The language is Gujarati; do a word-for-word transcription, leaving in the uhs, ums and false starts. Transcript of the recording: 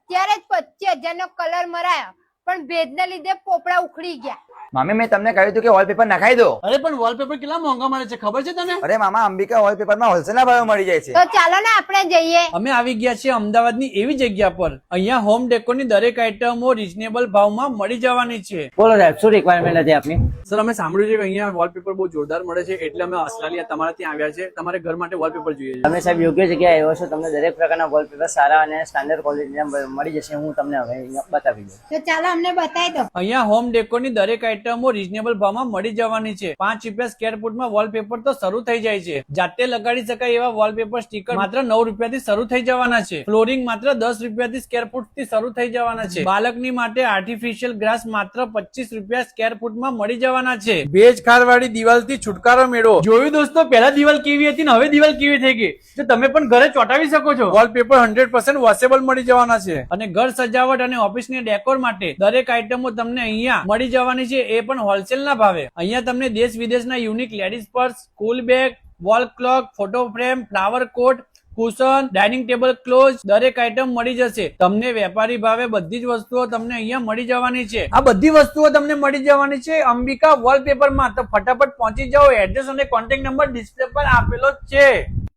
અત્યારે જ પચીસ હજાર નો કલર મરાયો પણ ભેજ ના લીધે પોપડા ઉખડી ગયા. મામી મેં તમને કહ્યું હતું કે વોલપેપર નખાઈ દો. અરે પણ વોલપેપર કેટલા મોંઘા મળે છે ખબર છે તને? અરે મામા અંબિકા વોલપેપર માં હોલસેલ ના ભાવે મળી જાય છે. તો ચાલો ને આપણે જઈએ. અમે આવી ગયા છીએ અમદાવાદની એવી જગ્યા પર અહીંયા હોમ ડેકોરની દરેક આઈટમો રીઝનેબલ ભાવમાં મળી જવાની છે. બોલો સાહેબ, શું રિક્વાયરમેન્ટ હતી આપની? સર અમે સાંભળ્યું છે કે અહીંયા વોલપેપર બહુ જોરદાર મળે છે એટલે અમે ઓસ્ટ્રેલિયા તમારા ત્યાં આવ્યા છે. તમારે ઘર માટે વોલપેપર જોઈએ છે. તમે સાહેબ યોગ્ય જગ્યાએ આવ્યો છો. તમને દરેક પ્રકારના વોલપેપર સારા અને સ્ટાન્ડર્ડ ક્વોલિટીના મળી જશે. હું તમને હવે અહીંયા બતાવી દઉં. તો ચાલો અમને બતાવી દો. અહીંયા હોમ ડેકોરની દરેક આઈટમો રીઝનેબલ ભાવમાં મળી જવાની છે. પાંચ રૂપિયા સ્કેર ફૂટમાં વોલપેપર તો શરૂ થઈ જાય છે. જાતે લગાડી શકાય એવા વોલપેપર સ્ટીકર માત્ર નવ રૂપિયાથી શરૂ થઈ જવાના છે. ફ્લોરિંગ માત્ર દસ રૂપિયાથી સ્કેર ફૂટ થી શરૂ થઈ જવાના છે. બાળકની માટે આર્ટિફિશિયલ ગ્રાસ માત્ર પચીસ રૂપિયા સ્કેર ફૂટમાં મળી જવાના છે. ભેજ ખારવાળી દિવાલથી છુટકારો મેળવો. જોયું દોસ્તો, પહેલા દિવાલ કેવી હતી ને હવે દિવાલ કેવી થઈ ગઈ. તો તમે પણ ઘરે ચોંટાવી શકો છો. વોલપેપર હંડ્રેડ પર્સન્ટ વોશેબલ મળી જવાના છે. અને ઘર સજાવટ અને ઓફિસની ડેકોર માટે દરેક આઈટમો તમને અહીંયા મળી જવાની છે, એ પણ હોલસેલ ના ભાવે. અહીંયા તમને દેશ વિદેશના unique ladies purse, school bag, wall clock, photo frame, flower pot, cushion, dining table cloth દરેક આઈટમ મળી જશે. તમને વેપારી ભાવે બધી જ વસ્તુઓ તમને અહીંયા મળી જવાની છે. આ બધી વસ્તુઓ તમને મળી જવાની છે અંબિકા વોલપેપર માં. તો ફટાફટ પહોંચી જાઓ. એડ્રેસ અને કોન્ટેક્ટ નંબર ડિસ્પ્લે પર આપેલો જ છે.